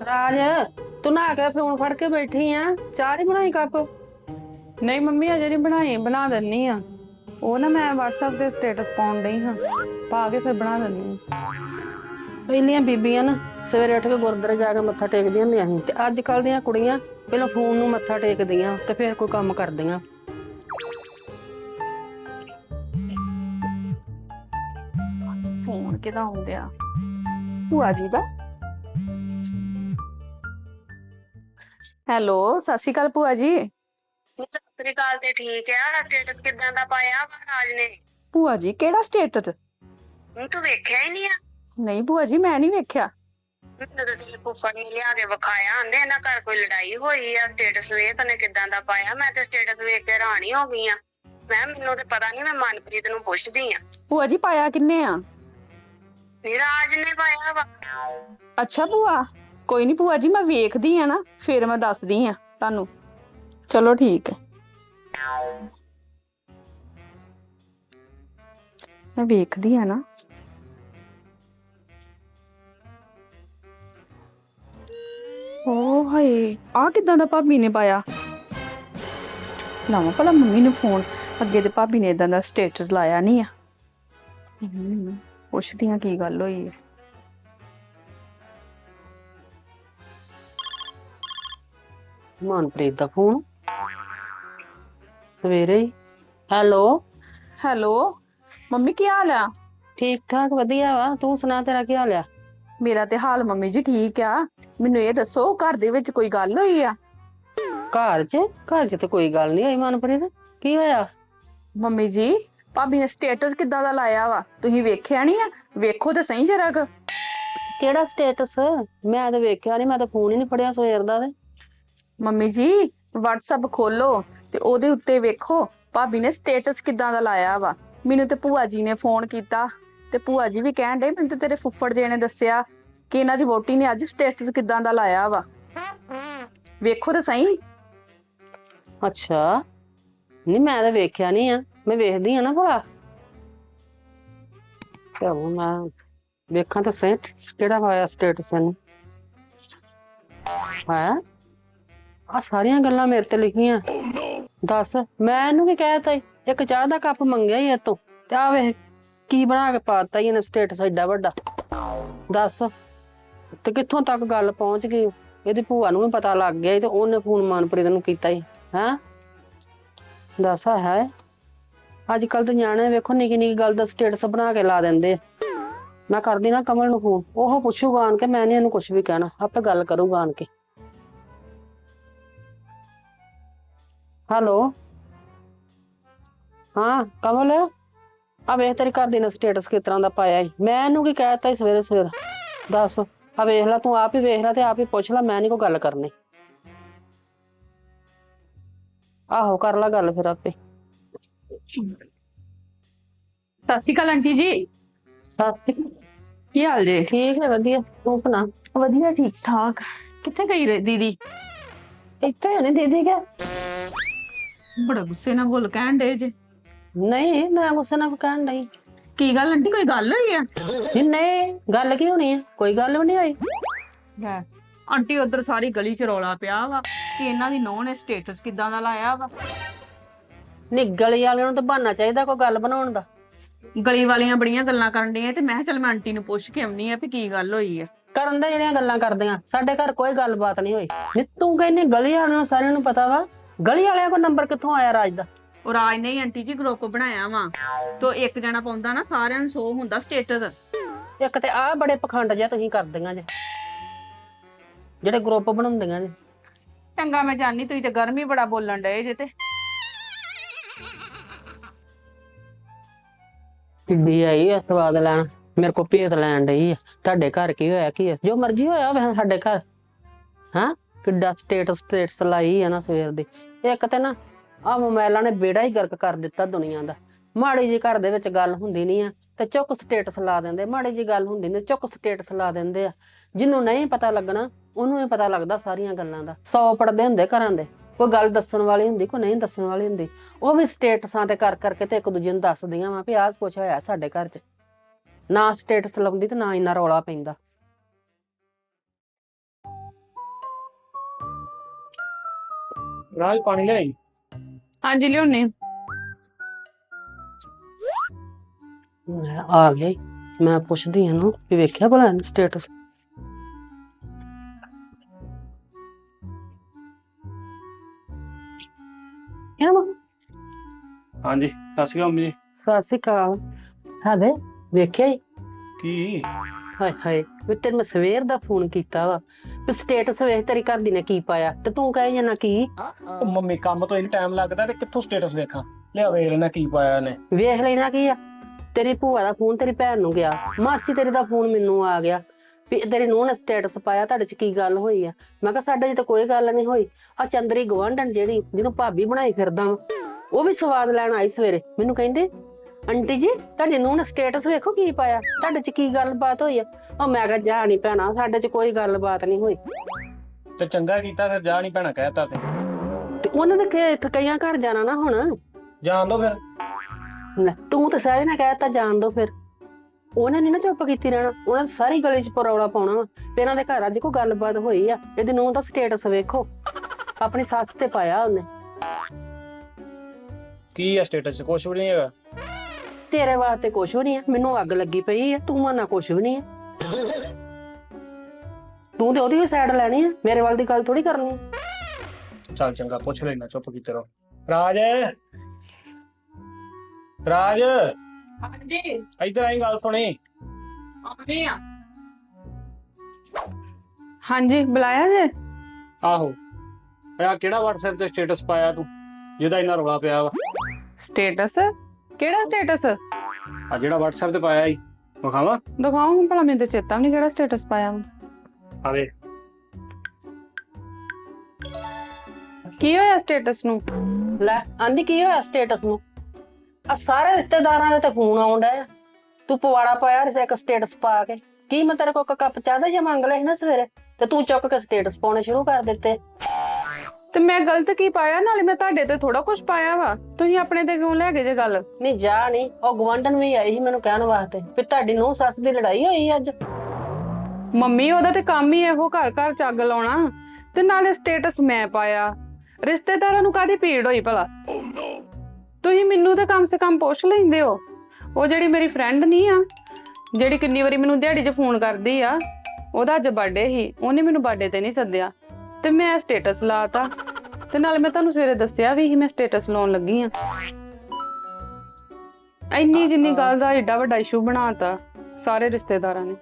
ਰਾਜ ਤੂੰ ਨਹਾ ਕੇ ਫੋਨ ਫੜ ਕੇ ਬੈਠੀ ਆ। ਚਾਹ ਨਹੀਂ ਬਣਾਈ ਕੱਪ? ਨਹੀਂ ਮੰਮੀ ਅਜੇ ਨਹੀਂ ਬਣਾਈ, ਬਣਾ ਦਿੰਨੀ ਆ। ਉਹ ਨਾ ਮੈਂ WhatsApp ਤੇ ਸਟੇਟਸ ਪਾਉਣ ਡਈ ਹਾਂ, ਪਾ ਕੇ ਫਿਰ ਬਣਾ ਦਿੰਨੀ ਆ। ਪਹਿਲੀਆਂ ਬੀਬੀਆਂ ਨਾ ਸਵੇਰੇ ਉੱਠ ਕੇ ਗੁਰਦੁਆਰੇ ਜਾ ਕੇ ਮੱਥਾ ਟੇਕਦੀਆਂ ਹੁੰਦੀਆਂ ਸੀ, ਤੇ ਅੱਜ ਕੱਲ ਦੀਆਂ ਕੁੜੀਆਂ ਪਹਿਲਾਂ ਫੋਨ ਨੂੰ ਮੱਥਾ ਟੇਕਦੀਆਂ ਤੇ ਫਿਰ ਕੋਈ ਕੰਮ ਕਰਦੀਆਂ। ਫੋਨ ਕਿਹਦਾ ਆਉਂਦਿਆ? ਭੂਆ ਜੀ ਦਾ। ਹੈਲੋ, ਸਤਿ ਸ਼੍ਰੀ ਅਕਾਲ ਭੂਆ ਜੀ। ਸਤਿ ਸ੍ਰੀ ਅਕਾਲ। ਤੇ ਠੀਕ ਆ। ਸਟੇਟਸ ਕਿਦਾਂ ਦਾ ਪਾਇਆ ਵਾ ਰਾਜ ਨੇ? ਭੂਆ ਜੀ ਕਿਹੜਾ ਸਟੇਟਸ? ਹੁਣ ਤੂੰ ਵੇਖਿਆ ਹੀ ਨਹੀਂ ਆ? ਨਹੀਂ ਭੂਆ ਜੀ ਮੈਂ ਨਹੀਂ ਵੇਖਿਆ। ਮੈਨੂੰ ਤਾਂ ਤੇਰੇ ਫੁੱਫੜ ਨੇ ਲਿਆ ਕੇ ਵਿਖਾਇਆ, ਆਂਦੇ ਇਹਨਾਂ ਘਰ ਕੋਈ ਲੜਾਈ ਹੋਈ ਆ। ਸਟੇਟਸ ਵੇਖ ਨੇ ਕਿਦਾਂ ਦਾ ਪਾਇਆ। ਮੈਂ ਤੇ ਸਟੇਟਸ ਵੇਖ ਕੇ ਹੈਰਾਨ ਹੀ ਹੋ ਗਈ ਆ। ਮੈਨੂੰ ਤੇ ਪਤਾ ਨਹੀਂ, ਮੈਂ ਮਨਪ੍ਰੀਤ ਨੂੰ ਪੁੱਛਦੀ ਆ। ਭੂਆ ਜੀ ਪਾਇਆ ਕਿੰਨੇ ਆ? ਰਾਜ ਨੇ ਪਾਇਆ ਵਾ। ਅੱਛਾ ਭੂਆ, ਕੋਈ ਨਹੀਂ ਭੂਆ ਜੀ, ਮੈਂ ਵੇਖਦੀ ਆ ਨਾ ਫਿਰ ਮੈਂ ਦੱਸਦੀ ਆ ਤੁਹਾਨੂੰ। ਚਲੋ ਠੀਕ ਹੈ, ਮੈਂ ਵੇਖਦੀ ਆ ਨਾ। ਓ ਹਾਏ, ਆ ਕਿਦਾਂ ਦਾ ਭਾਬੀ ਨੇ ਪਾਇਆ? ਲਾਵਾਂ ਭਲਾ ਮੰਮੀ ਨੂੰ ਫੋਨ। ਅੱਗੇ ਤੇ ਭਾਬੀ ਨੇ ਇਦਾਂ ਦਾ ਸਟੇਟਸ ਲਾਇਆ ਨਹੀਂ ਆ। ਪੁੱਛਦੀ ਆ ਕੀ ਗੱਲ ਹੋਈ ਹੈ। ਮਨਪ੍ਰੀਤ ਦਾ ਫੋਨ ਸਵੇਰੇ ਹੀ। ਹੈਲੋ ਹੈਲੋ ਮੰਮੀ, ਕੀ ਹਾਲ ਆ? ਠੀਕ ਠਾਕ ਵਧੀਆ ਵਾ, ਤੂੰ ਸੁਣਾ ਤੇਰਾ ਕੀ ਹਾਲ ਆ? ਮੇਰਾ ਤੇ ਹਾਲ ਮੰਮੀ ਜੀ ਠੀਕ ਆ। ਮੈਨੂੰ ਇਹ ਦੱਸੋ, ਘਰ ਦੇ ਵਿੱਚ ਕੋਈ ਗੱਲ ਹੋਈ ਆ? ਘਰ 'ਚ ਤੇ ਕੋਈ ਗੱਲ ਨਹੀਂ ਹੋਈ ਮਨਪ੍ਰੀਤ। ਕੀ ਹੋਇਆ? ਮੰਮੀ ਜੀ ਭਾਬੀ ਨੇ ਸਟੇਟਸ ਕਿੱਦਾਂ ਦਾ ਲਾਇਆ ਵਾ? ਤੁਸੀਂ ਵੇਖਿਆ ਨਹੀਂ ਆ? ਵੇਖੋ ਤੇ ਸਹੀ ਜਰਾ ਕੁ। ਕਿਹੜਾ ਸਟੇਟਸ? ਮੈਂ ਤਾਂ ਵੇਖਿਆ ਨਹੀਂ, ਮੈਂ ਤਾਂ ਫੋਨ ਹੀ ਨਹੀਂ ਫੜਿਆ ਸਵੇਰ ਦਾ। ਤੇ ਮੰਮੀ ਜੀ WhatsApp ਖੋਲੋ ਤੇ ਉਹਦੇ ਉੱਤੇ ਵੇਖੋ ਭਾਬੀ ਨੇ ਸਟੇਟਸ ਕਿੱਦਾਂ ਦਾ ਲਾਇਆ ਵਾ। ਮੈਨੂੰ ਤੇ ਭੂਆ ਜੀ ਨੇ ਫੋਨ ਕੀਤਾ ਤੇ ਭੂਆ ਜੀ ਵੀ ਕਹਿਣ ਡੇ, ਮੈਨੂੰ ਤੇ ਤੇਰੇ ਫੁੱਫੜ ਜੀ ਨੇ ਦੱਸਿਆ ਕਿ ਇਹਨਾਂ ਦੀ ਵੋਟੀ ਨੇ ਅੱਜ ਸਟੇਟਸ ਕਿੱਦਾਂ ਦਾ ਲਾਇਆ ਵਾ। ਵੇਖੋ ਤੇ ਸਹੀ। ਅੱਛਾ, ਨਹੀਂ ਮੈਂ ਤਾਂ ਵੇਖਿਆ ਨਹੀਂ ਆ। ਮੈਂ ਵੇਖਦੀ ਆ ਨਾ ਭਲਾ। ਚਲੋ ਮੈਂ ਵੇਖਾਂ ਤਾਂ ਸਹੀ ਕਿਹੜਾ ਹੋਇਆ ਸਟੇਟਸ ਇਹਨੂੰ। ਹੈ ਆ ਸਾਰੀਆਂ ਗੱਲਾਂ ਮੇਰੇ ਤੇ ਲਿਖੀਆਂ। ਦੱਸ ਮੈਂ ਇਹਨੂੰ ਕੀ ਕਹਿਤਾ? ਇੱਕ ਚਾਹ ਦਾ ਕੱਪ ਮੰਗਿਆ ਹੀ ਇਤੋਂ, ਤੇ ਆ ਵੇਖ ਕੀ ਬਣਾ ਕੇ ਪਾਤਾ ਹੀ ਇਹਨੇ ਸਟੇਟਸ ਏਡਾ ਵੱਡਾ। ਦੱਸ ਤੇ ਕਿੱਥੋਂ ਤੱਕ ਗੱਲ ਪਹੁੰਚ ਗਈ। ਇਹਦੀ ਭੂਆ ਨੂੰ ਵੀ ਪਤਾ ਲੱਗ ਗਿਆ ਤੇ ਉਹਨੇ ਫੋਨ ਮਨਪ੍ਰੀਤ ਨੂੰ ਕੀਤਾ ਹੀ। ਹੈਂ ਦੱਸ ਹੈ ਅੱਜ ਕੱਲ ਤੇ ਨਿਆਣੇ ਵੇਖੋ ਨਿੱਕੀ ਨਿੱਕੀ ਗੱਲ ਦਾ ਸਟੇਟਸ ਬਣਾ ਕੇ ਲਾ ਦਿੰਦੇ। ਮੈਂ ਕਰਦੀ ਨਾ ਕਮਲ ਨੂੰ ਫੋਨ, ਉਹ ਪੁੱਛੂਗਾ ਆਣ ਕੇ। ਮੈਂ ਨੀ ਇਹਨੂੰ ਕੁਛ ਵੀ ਕਹਿਣਾ, ਆਪੇ ਗੱਲ ਕਰੂਗਾ ਆਣ ਕੇ। ਹੈਲੋ ਹਾਂ ਕਮਲ, ਆ ਵੇਖ ਤੇਰੀ ਘਰ ਦੀ ਨੇ ਸਟੇਟਸ ਕਿਸ ਤਰ੍ਹਾਂ ਦਾ ਪਾਇਆ ਸੀ। ਮੈਂ ਇਹਨੂੰ ਕੀ ਕਹਿਤਾ ਸਵੇਰੇ ਸਵੇਰੇ? ਦੱਸ ਆ ਵੇਖ ਲੈ, ਤੂੰ ਆਪ ਹੀ ਵੇਖ ਲੈ ਤੇ ਆਪ ਹੀ ਪੁੱਛ ਲੈ। ਮੈਂ ਨੀ ਕੋਈ ਗੱਲ ਕਰਨੀ। ਆਹੋ ਕਰ ਲੈ ਗੱਲ ਫਿਰ ਆਪੇ। ਸਤਿ ਸ਼੍ਰੀ ਅਕਾਲ ਆਂਟੀ ਜੀ। ਸਤਿ ਸ੍ਰੀ ਅਕਾਲ। ਕੀ ਹਾਲ ਜੇ? ਠੀਕ ਹੈ ਵਧੀਆ, ਤੂੰ ਸੁਣਾ? ਵਧੀਆ ਠੀਕ ਠਾਕ। ਕਿੱਥੇ ਗਈ ਰੇ ਦੀਦੀ? ਇੱਥੇ ਹੋਣੀ ਦੀਦੀ ਕੇ? ਬੜਾ ਗੁੱਸੇ ਨਾਲ ਬੋਲ ਕਹਿਣ ਡੇ ਜੇ। ਨਹੀਂ ਮੈਂ ਗੁੱਸੇ ਨਾਲ ਕਹਿਣ ਡਈ। ਕੀ ਗੱਲ ਆਂਟੀ, ਕੋਈ ਗੱਲ ਹੋਈ ਆ? ਨਹੀਂ ਗੱਲ ਕੀ ਹੋਣੀ ਆ, ਕੋਈ ਗੱਲ ਵੀ ਨਹੀਂ ਹੋਈ। ਲੈ ਆਂਟੀ, ਉਧਰ ਸਾਰੀ ਗਲੀ ਚ ਰੌਲਾ ਪਿਆ ਵਾ ਕਿ ਇਹਨਾਂ ਦੀ ਨੂੰਹ ਨੇ ਸਟੇਟਸ ਕਿੱਦਾਂ ਦਾ ਲਾਇਆ ਵਾ। ਨਹੀਂ ਗਲੀ ਵਾਲਿਆਂ ਨੂੰ ਤਾਂ ਬਹਾਨਾ ਚਾਹੀਦਾ ਕੋਈ ਗੱਲ ਬਣਾਉਣ ਦਾ। ਗਲੀ ਵਾਲੀਆਂ ਬੜੀਆਂ ਗੱਲਾਂ ਕਰਨ ਡੀਆਂ ਤੇ ਮੈਂ ਕਿਹਾ ਚੱਲ ਮੈਂ ਆਂਟੀ ਨੂੰ ਪੁੱਛ ਕੇ ਆਉਣੀ ਆ ਵੀ ਕੀ ਗੱਲ ਹੋਈ ਆ। ਕਰਨ ਦੇ ਜਿਹੜੀਆਂ ਗੱਲਾਂ ਕਰਦੀਆਂ, ਸਾਡੇ ਘਰ ਕੋਈ ਗੱਲਬਾਤ ਨਹੀਂ ਹੋਈ। ਨਹੀਂ ਤੂੰ ਕਹਿੰਦੀ ਗਲੀ ਵਾਲਿਆਂ ਨੂੰ ਸਾਰਿਆਂ ਨੂੰ ਪਤਾ ਵਾ। ਗਲੀ ਵਾਲਿਆਂ ਕੋਲ ਨੰਬਰ ਕਿੱਥੋਂ ਆਇਆ ਰਾਜ ਦਾ? ਉਹ ਰਾਜ ਨੇ ਆਂਟੀ ਜੀ ਗਰੁੱਪ ਬਣਾਇਆ ਵਾ, ਤੋ ਇੱਕ ਜਣਾ ਪਾਉਂਦਾ ਨਾ, ਸਾਰਿਆਂ ਨੂੰ ਸ਼ੋ ਹੁੰਦਾ ਸਟੇਟਸ। ਇੱਕ ਤੇ ਆਹ ਬੜੇ ਪਖੰਡ ਜਿਹਾ ਤੁਸੀਂ ਕਰਦੀਆਂ ਜੇ, ਜਿਹੜੇ ਗਰੁੱਪ ਬਣਾਉਂਦੀਆਂ ਜੇ। ਚੰਗਾ ਮੈਂ ਜਾਣੀ, ਤੁਸੀਂ ਤੇ ਗਰਮੀ ਬੜਾ ਬੋਲਣ ਡਏ ਜੇ। ਤੇ ਕਿੱਡੀ ਆਈ ਆ ਸਵਾਦ ਲੈਣ, ਮੇਰੇ ਕੋਲ ਭੇਤ ਲੈਣ ਡਈ ਆ। ਤੁਹਾਡੇ ਘਰ ਕੀ ਹੋਇਆ? ਕੀ ਆ ਜੋ ਮਰਜ਼ੀ ਹੋਇਆ ਹੋਵੇ ਸਾਡੇ ਘਰ। ਹਾਂ ਕਿੱਡਾ ਸਟੇਟਸ ਲਾਈ ਆ ਨਾ ਸਵੇਰ ਦੀ। ਇੱਕ ਤੇ ਨਾ ਆਹ ਮੋਬਾਇਲਾਂ ਨੇ ਬੇੜਾ ਹੀ ਗਰਕ ਕਰ ਦਿੱਤਾ ਦੁਨੀਆ ਦਾ। ਮਾੜੀ ਜੀ ਘਰ ਦੇ ਵਿੱਚ ਗੱਲ ਹੁੰਦੀ ਨਹੀਂ ਆ ਤੇ ਚੁੱਕ ਸਟੇਟਸ ਲਾ ਦਿੰਦੇ। ਮਾੜੀ ਜੀ ਗੱਲ ਹੁੰਦੀ ਨੇ ਚੁੱਕ ਸਟੇਟਸ ਲਾ ਦਿੰਦੇ ਆ। ਜਿਹਨੂੰ ਨਹੀਂ ਪਤਾ ਲੱਗਣਾ ਉਹਨੂੰ ਹੀ ਪਤਾ ਲੱਗਦਾ ਸਾਰੀਆਂ ਗੱਲਾਂ ਦਾ। 100 ਪੜਦੇ ਹੁੰਦੇ ਘਰਾਂ ਦੇ, ਕੋਈ ਗੱਲ ਦੱਸਣ ਵਾਲੀ ਹੁੰਦੀ, ਕੋਈ ਨਹੀਂ ਦੱਸਣ ਵਾਲੀ ਹੁੰਦੀ। ਉਹ ਵੀ ਸਟੇਟਸਾਂ ਤੇ ਕਰ ਕਰਕੇ ਤੇ ਇੱਕ ਦੂਜੇ ਨੂੰ ਦੱਸਦੀਆਂ ਵਾ ਵੀ ਆਹ ਕੁਛ ਹੋਇਆ ਸਾਡੇ ਘਰ 'ਚ। ਨਾ ਸਟੇਟਸ ਲਾਉਂਦੀ ਤੇ ਨਾ ਇੰਨਾ ਰੌਲਾ ਪੈਂਦਾ। ਰਾਜ ਪਾਣੀ ਲਿਆਈ। ਹਾਂਜੀ ਲਿਓਨੇ। ਮੈਂ ਆ ਗਈ। ਮੈਂ ਪੁੱਛਦੀ ਇਹਨੂੰ ਵੀ ਵੇਖਿਆ ਭਲਾ ਸਟੇਟਸ। ਕਿਆ ਵਾ? ਹਾਂਜੀ ਸਤਿ ਸ਼੍ਰੀ ਅਕਾਲ ਮੰਮੀ ਜੀ। ਸਤਿ ਸ਼੍ਰੀ ਅਕਾਲ। ਹਾਂ ਵੇਖਿਆ ਹੀ। ਕੀ ਹਾਏ ਹਾਏ ਵੀ ਤੈਨੂੰ ਮੈਂ ਸਵੇਰ ਦਾ ਫੋਨ ਕੀਤਾ ਵਾ ਵੀ ਸਟੇਟਸ ਵੇਖ ਤੇਰੀ ਘਰ ਦੀ ਨੇ ਕੀ ਪਾਇਆ ਤੇ ਤੂੰ ਕਹੇ ਜਾਣਾ ਕੀ। ਉਹ ਮੰਮੀ ਕੰਮ ਤੋਂ ਇੰਨਾ ਟਾਈਮ ਲੱਗਦਾ ਤੇ ਕਿੱਥੋਂ ਸਟੇਟਸ ਵੇਖਾਂ। ਲਿਆ ਵੇਖ ਲੈਣਾ ਕੀ ਪਾਇਆ ਇਹਨੇ। ਵੇਖ ਲੈਣਾ ਕੀ ਆ। ਤੇਰੀ ਭੂਆ ਦਾ ਫੋਨ ਤੇਰੀ ਭੈਣ ਨੂੰ ਗਿਆ, ਮਾਸੀ ਤੇਰੀ ਦਾ ਫੋਨ ਮੈਨੂੰ ਆ ਗਿਆ ਵੀ ਤੇਰੀ ਨੂੰਹ ਨੇ ਸਟੇਟਸ ਪਾਇਆ, ਤੁਹਾਡੇ ਚ ਕੀ ਗੱਲ ਹੋਈ ਆ। ਮੈਂ ਕਿਹਾ ਸਾਡੇ ਚ ਤਾਂ ਕੋਈ ਗੱਲ ਨਹੀਂ ਹੋਈ। ਆ ਚੰਦਰੀ ਗਵਾਂਢਣ ਜਿਹੜੀ ਜਿਹਨੂੰ ਭਾਬੀ ਬਣਾਈ ਫਿਰਦਾ ਵਾ, ਉਹ ਵੀ ਸਵਾਦ ਲੈਣ ਆਈ ਸਵੇਰੇ। ਮੈਨੂੰ ਕਹਿੰਦੇ ਆਂਟੀ ਜੀ ਤੁਹਾਡੀ ਨੂੰਹ ਨੇ ਸਟੇਟਸ ਵੇਖੋ ਕੀ ਪਾਇਆ, ਤੁਹਾਡੇ ਚ ਕੀ ਗੱਲਬਾਤ ਹੋਈ ਆ। ਉਹ ਮੈਂ ਕਿਹਾ ਜਾ ਨੀ ਭੈਣਾ, ਸਾਡੇ ਚ ਕੋਈ ਗੱਲਬਾਤ ਨਹੀਂ ਹੋਈ। ਤੇ ਚੰਗਾ ਕੀਤਾ ਫਿਰ, ਜਾ ਨਹੀਂ ਭੈਣਾ ਕਹਿਤਾ ਤੇ ਉਹਨਾਂ ਦੇ ਕਈਆਂ ਘਰ ਜਾਣਾ ਨਾ ਹੁਣ। ਜਾਣ ਦੋ ਫਿਰ। ਲੈ, ਤੂੰ ਤਾਂ ਸਹਿਜ ਨਾ ਕਹਿਤਾ ਜਾਣ ਦੋ ਫਿਰ। ਉਹਨੇ ਨੀ ਨਾ ਚੁੱਪ ਕੀਤੀ ਰਹਿਣਾ, ਉਹਨਾਂ ਨੇ ਸਾਰੀ ਗਲੀ ਚ ਪਰੌਲਾ ਪਾਉਣਾ ਵਾ ਵੀ ਇਹਨਾਂ ਦੇ ਘਰ ਅੱਜ ਕੋਈ ਗੱਲਬਾਤ ਹੋਈ ਆ। ਇਹਦੀ ਨੂੰਹ ਦਾ ਸਟੇਟਸ ਵੇਖੋ, ਆਪਣੀ ਸੱਸ ਤੇ ਪਾਇਆ ਉਹਨੇ। ਕੀ ਆ ਸਟੇਟਸ ਚ? ਕੁਛ ਵੀ ਨਹੀਂ ਹੈਗਾ। ਤੇਰੇ ਵਾਸਤੇ ਕੁਛ ਵੀ ਨਹੀਂ ਆ, ਮੈਨੂੰ ਅੱਗ ਲੱਗੀ ਪਈ ਆ। ਤੂੰ ਮੰਨਾ ਕੁਛ ਵੀ ਨਹੀਂ ਆ। ਤੂੰ ਤੇ ਉਹਦੀ ਸਾਈਡ ਲੈਣੀ ਆ, ਮੇਰੇ ਵੱਲ ਦੀ ਗੱਲ ਥੋੜੀ ਕਰਨੀ ਆ। ਚੱਲ ਚੰਗਾ ਪੁੱਛ ਲੈਣਾ, ਚੁੱਪ ਕੀਤੇ ਰਹੋ। ਰਾਜ ਰਾਜ ਹਾਂਜੀ ਇੱਧਰ ਆਈ, ਗੱਲ ਸੁਣੀ। ਆਉਣੀ ਆ। ਹਾਂਜੀ ਬੁਲਾਇਆ ਜੇ? ਆਹੋ ਆ ਕਿਹੜਾ WhatsApp ਤੇ ਸਟੇਟਸ ਪਾਇਆ ਤੂੰ ਜਿਹਦਾ ਇੰਨਾ ਰੌਲਾ ਪਿਆ ਵਾ? ਸਟੇਟਸ? ਕਿਹੜਾ ਸਟੇਟਸ? ਆ ਜਿਹੜਾ WhatsApp ਤੇ ਪਾਇਆ ਈ, ਵਿਖਾਵਾਂ? ਦਿਖਾਓ ਹੁਣ ਭਲਾ, ਮੈਨੂੰ ਤੇ ਚੇਤਾ ਵੀ ਨਹੀਂ ਕਿਹੜਾ ਸਟੇਟਸ ਪਾਇਆ ਵਾ। ਆ ਵੇ ਕੀ ਹੋਇਆ ਸਟੇਟਸ ਨੂੰ? ਲੈ ਆਂਦੀ ਕੀ ਹੋਇਆ ਸਟੇਟਸ ਨੂੰ? ਆ ਸਾਰੇ ਰਿਸ਼ਤੇਦਾਰਾਂ ਦੇ ਤੇ ਫੋਨ ਆਉਣ ਡਿਆ। ਤੂੰ ਪਵਾੜਾ ਪਾਇਆ ਰਿਸੇ ਇੱਕ ਸਟੇਟਸ ਪਾ ਕੇ। ਕੀ ਮੈਂ ਤੇਰੇ ਕੋਲ ਕੱਪ ਚਾਹ ਦਾ ਜਾਂ ਮੰਗ ਲਿਆ ਸੀ ਨਾ ਸਵੇਰੇ, ਤੇ ਤੂੰ ਚੁੱਕ ਕੇ ਸਟੇਟਸ ਪਾਉਣੇ ਸ਼ੁਰੂ ਕਰ ਦਿੱਤੇ। ਤੇ ਮੈਂ ਗਲਤ ਕੀ ਪਾਇਆ? ਨਾਲੇ ਮੈਂ ਤੁਹਾਡੇ ਤੇ ਥੋੜਾ ਕੁਝ ਪਾਇਆ ਵਾ, ਤੁਸੀਂ ਆਪਣੇ ਤੇ ਕਿਉਂ ਲੈ ਗਏ ਜੇ ਗੱਲ? ਨਹੀਂ ਜਾ ਨਹੀਂ, ਉਹ ਗਵਾਂਢਣ ਵੀ ਆਈ ਸੀ ਮੈਨੂੰ ਕਹਿਣ ਵਾਸਤੇ ਵੀ ਤੁਹਾਡੀ ਨੂੰਹ ਸੱਸ ਦੀ ਲੜਾਈ ਹੋਈ ਅੱਜ। ਮੰਮੀ ਉਹਦਾ ਤੇ ਕੰਮ ਹੀ ਇਹੋ ਘਰ ਘਰ ਚੱਗ ਲਾਉਣਾ, ਤੇ ਨਾਲੇ ਸਟੇਟਸ ਮੈਂ ਪਾਇਆ। ਰਿਸ਼ਤੇਦਾਰਾਂ ਨੂੰ ਕਾਹਦੀ ਭੀੜ ਹੋਈ ਭਲਾ? ਤੁਸੀਂ ਮੈਨੂੰ ਤਾਂ ਕਮ ਸੇ ਕਮ ਪੁੱਛ ਲੈਂਦੇ ਹੋ। ਉਹ ਜਿਹੜੀ ਮੇਰੀ ਫਰੈਂਡ ਨਹੀਂ ਆ, ਜਿਹੜੀ ਕਿੰਨੀ ਵਾਰੀ ਮੈਨੂੰ ਦਿਹਾੜੀ 'ਚ ਫੋਨ ਕਰਦੀ ਆ, ਉਹਦਾ ਅੱਜ ਬਰਥਡੇ ਸੀ, ਉਹਨੇ ਮੈਨੂੰ ਬਰਥਡੇ ਤੇ ਨਹੀਂ ਸੱਦਿਆ ਤੇ ਮੈਂ ਸਟੇਟਸ ਲਾਤਾ। ਤੇ ਨਾਲੇ ਮੈਂ ਤੁਹਾਨੂੰ ਸਵੇਰੇ ਦੱਸਿਆ ਵੀ ਸੀ ਮੈਂ ਸਟੇਟਸ ਲਾਉਣ ਲੱਗੀ ਆ। ਇੰਨੀ ਜਿੰਨੀ ਗੱਲ ਦਾ ਏਡਾ ਵੱਡਾ ਇਸ਼ੂ ਬਣਾਤਾ ਸਾਰੇ ਰਿਸ਼ਤੇਦਾਰਾਂ ਨੇ।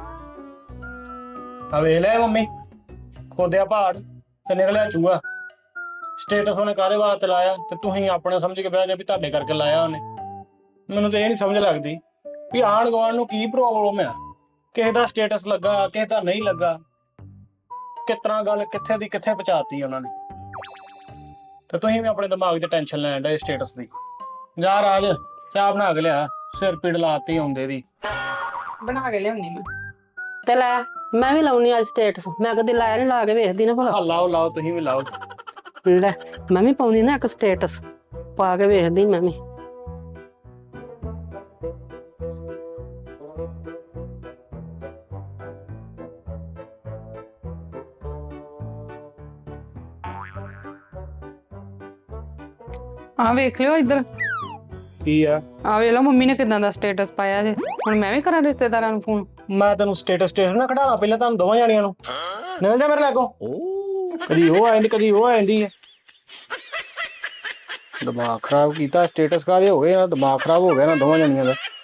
ਆ ਵੇਖ ਲੈ ਮੰਮੀ, ਖੋਦਿਆ ਪਹਾੜ ਤੇ ਨਿਕਲਿਆ ਚੂਹਾ। ਸਟੇਟਸ ਉਹਨੇ ਕਾਹਦੇ ਵਾਸਤੇ ਲਾਇਆ ਤੇ ਤੁਸੀਂ ਆਪਣੇ ਸਮਝ ਕੇ ਬਹਿ ਗਏ ਵੀ ਤੁਹਾਡੇ ਕਰਕੇ ਲਾਇਆ ਉਹਨੇ। ਮੈਨੂੰ ਤਾਂ ਇਹ ਨਹੀਂ ਸਮਝ ਲੱਗਦੀ ਵੀ ਆਂਢ ਗੁਆਂਢ ਨੂੰ ਕੀ ਪ੍ਰੋਬਲਮ ਆ। ਕਿਸੇ ਦਾ ਸਟੇਟਸ ਲੱਗਾ, ਕਿਸੇ ਦਾ ਨਹੀਂ ਲੱਗਾ, ਕਿਸ ਤਰ੍ਹਾਂ ਗੱਲ ਕਿੱਥੇ ਦੀ ਕਿੱਥੇ ਪਹੁੰਚਾਤੀ ਉਹਨਾਂ ਨੇ। ਤੇ ਤੁਸੀਂ ਵੀ ਆਪਣੇ ਦਿਮਾਗ 'ਚ ਟੈਨਸ਼ਨ ਲੈਣ ਡੇ ਸਟੇਟਸ ਦੀ। ਜਾ ਰਾਜ ਚਾਹ ਬਣਾ ਕੇ ਲਿਆ, ਸਿਰ ਪੀੜ ਲਾਤੀ ਆਉਂਦੇ ਦੀ। ਬਣਾ ਕੇ ਲਿਆਉਣੀ ਮੈਂ। ਤੇ ਲੈ ਮੈਂ ਵੀ ਲਾਉਣੀ ਅੱਜ ਸਟੇਟਸ। ਮੈਂ ਕਦੇ ਲਾਇਆ ਨਹੀਂ, ਲਾ ਕੇ ਵੇਖਦੀ ਨਾ ਭਲਾ। ਲਾਓ ਲਾਓ, ਤੁਸੀਂ ਵੀ ਲਾਓ। ਲੈ ਮੈਂ ਵੀ ਪਾਉਂਦੀ ਨਾ ਇੱਕ ਸਟੇਟਸ, ਪਾ ਕੇ ਵੇਖਦੀ ਮੈਂ ਵੀ। ਆ ਵੇਖ ਲਿਓ ਇੱਧਰ। ਕੀ ਆ? ਆ ਵੇਖ ਲਓ ਮੰਮੀ ਨੇ ਕਿਦਾਂ ਦਾ ਸਟੇਟਸ ਪਾਇਆ ਜੇ। ਹੁਣ ਮੈਂ ਵੀ ਕਰਾਂ ਰਿਸ਼ਤੇਦਾਰਾਂ ਨੂੰ ਫੋਨ? ਮੈਂ ਤੈਨੂੰ ਸਟੇਟਸ ਨਾ ਖੜਾਣਾ ਪਹਿਲਾਂ ਤੁਹਾਨੂੰ ਦੋਵਾਂ ਜਾਣੀਆਂ ਨੂੰ। ਨਿਕਲ ਜਾ ਮੇਰੇ ਲਾਗੋਂ। ਕਦੀ ਉਹ ਆ ਜਾਂਦੀ ਕਦੀ ਉਹ ਆ ਜਾਂਦੀ ਹੈ। ਦਿਮਾਗ ਖਰਾਬ ਕੀਤਾ। ਸਟੇਟਸ ਕਾਹਦੇ ਹੋ ਗਏ ਨਾ, ਦਿਮਾਗ ਖਰਾਬ ਹੋ ਗਿਆ ਨਾ ਦੋਵਾਂ ਜਾਣੀਆਂ ਦਾ।